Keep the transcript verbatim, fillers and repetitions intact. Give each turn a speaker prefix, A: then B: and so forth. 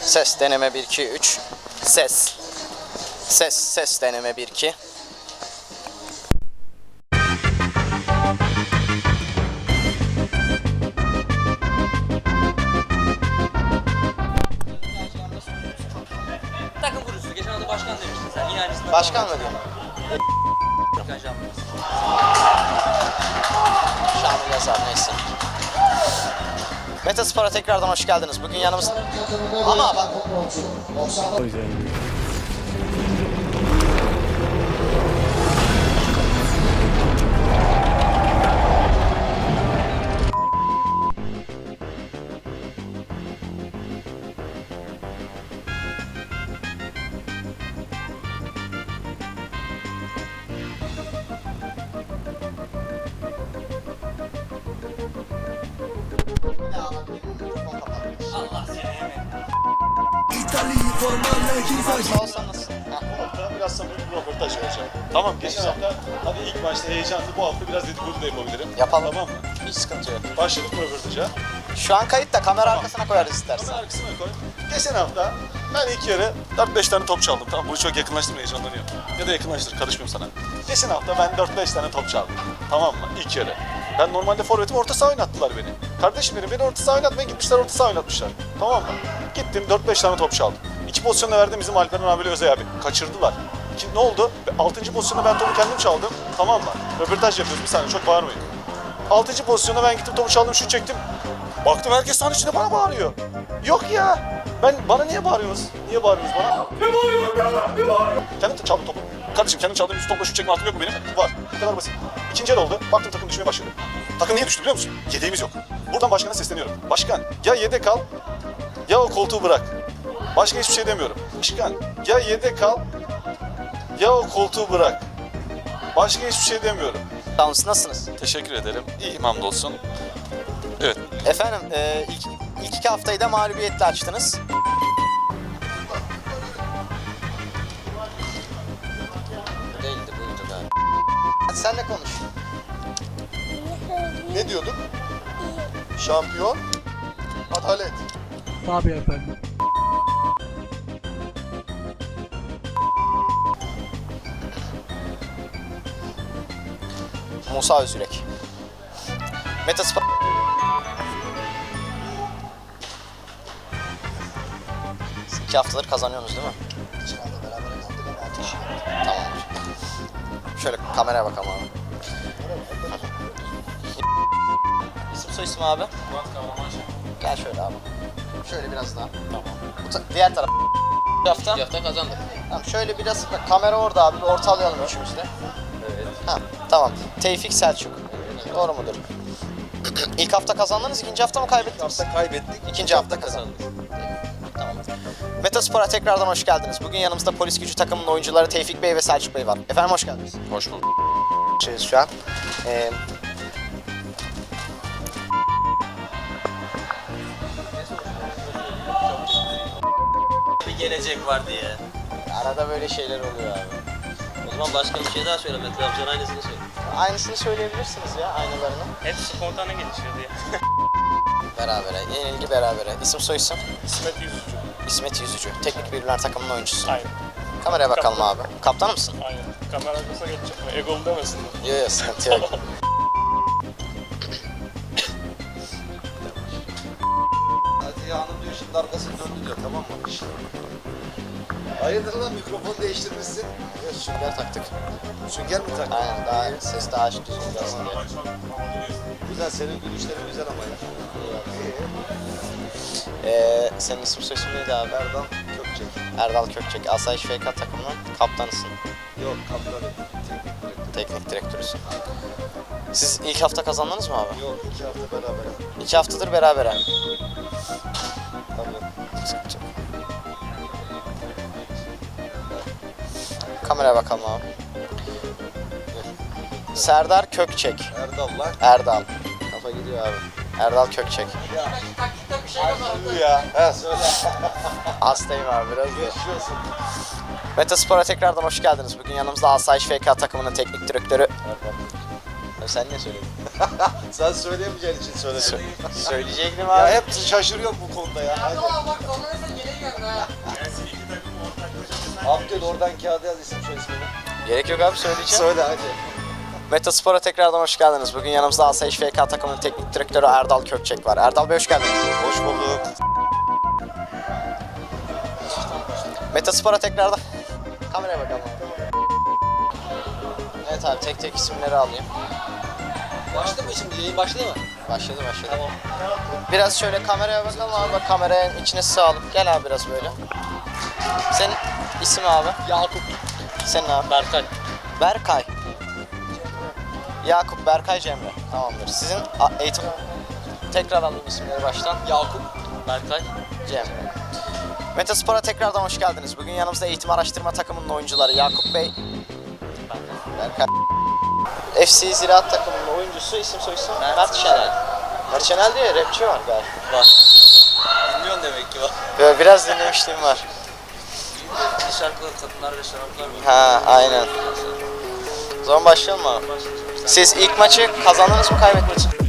A: Ses deneme bir iki üç. Ses. Ses ses deneme bir iki.
B: Takım kurucusu. Geçen hafta başkan demiştin sen. Yine aynısını.
A: Başkan mı diyeyim?
B: Başkan Şampiyon.
A: Şamil yazar neyse. Metaspor'a tekrardan hoş geldiniz. Bugün yanımızda... Ama bak...
B: Allah seni yemin.
A: Sağ olsan nasılsın?
C: hafta biraz samimi bir röportaj yapacağım. Tamam, geçen hafta hadi ilk başta heyecanlı, bu hafta biraz dedikodu da yapabilirim.
A: Yapalım.
C: Tamam mı?
A: Hiç sıkıntı yok.
C: Başladık mı röportaja?
A: Şu an kayıtta, kamera arkasına koyarız istersen.
C: Kamera arkasına koy. Geçen hafta ben ilk yarı dört beş tane top çaldım. Tamam, bunu çok yakınlaştırma, heyecanlanıyorum. Ya da yakınlaştır, karışmıyorum sana. Geçen hafta ben dört beş tane top çaldım. Tamam mı? İlk yarı. Ben normalde forvetim, orta saha oynattılar beni. Kardeşim benim, beni orta saha oynatmaya gitmişler, orta saha oynatmışlar. Tamam mı? Gittim dört beş tane top çaldım. İki pozisyonda verdim bizim Alperen abiyle Özay abi. Kaçırdılar. Şimdi ne oldu? altıncı pozisyonda ben topu kendim çaldım. Tamam mı? Röportaj yapıyoruz, bir saniye çok bağırmayın. altıncı pozisyonda ben gittim topu çaldım, şut çektim. Baktım herkes sahanın içinde bana bağırıyor. Yok ya. Ben, bana niye bağırıyorsunuz? Niye bağırıyorsunuz bana? Ne bağırıyorsun ya? Ne bağırıyorsun? Kendim çaldım topu. Kardeşim kendim çaldığım yüz topla şut çekme hakkım yok mu benim? Var. Bu kadar basit. İkinci el oldu. Baktım takım düşmeye başladı. Takım niye düştü biliyor musun? Yedeğimiz yok. Buradan başkana sesleniyorum. Başkan, ya yedek al ya o koltuğu bırak. Başka hiçbir şey demiyorum. Başkan, ya yedek al ya o koltuğu bırak. Başka hiçbir şey demiyorum.
A: Sağ olun, nasılsınız?
C: Teşekkür ederim. İyiyim hamdolsun. Evet.
A: Efendim, e, ilk, ilk iki haftayı da mağlubiyetle açtınız.
B: Değildi buydu galiba.
A: Hadi sen de konuş.
C: Ne diyorduk? Şampiyon, adalet.
D: Tabii efendim.
A: Musa Özürek. Metaspor... Siz iki haftadır kazanıyorsunuz değil mi? Tamamdır. Şöyle kameraya bakalım abi. İsim soy isim abi?
B: Murat Kahramanşah.
A: Gel şöyle abi. Şöyle biraz daha. Tamam. Bu ta- diğer taraf. Bu hafta.
B: İki hafta kazandık.
A: Tamam, şöyle biraz bak, kamera orada abi. Bir ortalayalım üçümüz de.
B: Evet.
A: Ha, tamam. Tevfik Selçuk. Doğru mudur? İlk hafta kazandınız, ikinci hafta mı kaybettiniz?
B: hafta kaybettik.
A: İkinci hafta kazandık. Tamam. Metaspor'a tekrardan hoş geldiniz. Bugün yanımızda Polis Gücü takımının oyuncuları Tevfik Bey ve Selçuk Bey var. Efendim hoş geldiniz.
C: Hoş bulduk.
A: Şeyiz şu an. Ee,
B: Bir gelecek var diye.
A: arada böyle şeyler oluyor abi.
B: O zaman başka bir şey daha söyle. Mete amcan aynısını söyle.
A: Aynısını söyleyebilirsiniz ya, aynılarını.
B: Hep spontane gelişiyordu ya.
A: Berabere, yenilgi berabere. İsim soy isim?
E: İsmet Yüzücü.
A: İsmet Yüzücü. Teknik Bilgiler takımının oyuncusu.
E: Aynen.
A: Kameraya bakalım abi. Kaptan mısın?
E: Aynen. Kamera arkasına geçecek mi? Egolu demesin.
A: Yok yok, sıkıntı yok.
F: Hadi ya hanım diyor şimdi arkasını döndü diyor, tamam mı? Hayırdır lan, mikrofon değiştirmişsin.
A: Yok, sünger taktık.
F: Sünger mi taktın?
A: Aynen, daha ses daha açık düzgün gelsin diye.
F: Güzel, senin gülüşlerin güzel ama ya.
A: Ee, senin isim soy isim neydi abi?
F: Erdal Kökçek.
A: Erdal Kökçek. Asayiş F K takımının kaptanısın.
F: Yok, kaptanı. Teknik direktör.
A: Teknik direktörüsün. Siz ilk hafta kazandınız mı abi?
F: Yok, iki hafta beraber.
A: İki haftadır berabere.
F: Tabii.
A: Sıkıntı yok. Kameraya bakalım abi. Serdar Kökçek.
F: Erdal lan.
A: Erdal. Kafa gidiyor abi. Erdal Kökçek.
F: Bu ya. He söyle.
A: Hastayım abi biraz da.
F: Yaşıyorsun.
A: Metaspor'a tekrardan hoş geldiniz. Bugün yanımızda Asayiş F K takımının teknik direktörü. Ya sen ne söyledin?
F: Sen söyleyemeyeceğin için söyledim.
A: Söyleyecektim
F: Ya
A: abi.
F: hep şaşırıyorum bu konuda ya. Hadi. Abdül oradan kağıda yaz isim soy ismini.
A: Gerek yok abi, söyleyeceğim.
F: Söyle hadi.
A: Metaspor'a tekrardan hoş geldiniz. Bugün yanımızda Asayiş F K takımının teknik direktörü Erdal Kökçek var. Erdal Bey hoş geldiniz.
C: Hoş bulduk.
A: Metaspor'a tekrardan... Kameraya bakalım. Evet abi, tek tek isimleri alayım.
B: Başladı mı şimdi? Yayın başladı mı?
A: Başladı başladı. Tamam. Biraz şöyle kameraya bakalım abi. Bak, kameranın içine sığalım. Gel abi biraz böyle. Senin isim abi?
B: Yakup.
A: Senin abi?
B: Berkay.
A: Berkay. Yakup, Berkay, Cemre. Tamamdır. Sizin a- eğitim... Tekrar alayım isimleri baştan.
B: Yakup. Berkay.
A: Cemre. Metaspor'a tekrardan hoş geldiniz. Bugün yanımızda eğitim araştırma takımının oyuncuları Yakup Bey, Berkay. F C Ziraat takımının oyuncusu, isim soyisim Mert Şenel. Mert Şenel diye rapçi var galiba.
B: Var. Dinliyorsun demek ki bak.
A: Böyle biraz dinlemişliğim var.
B: Bir şarkılar, kadınlar ve şaraplar mı?
A: Ha, aynen. O zaman başlayalım mı abi? Siz ilk maçı kazandınız mı, kaybettiniz mi?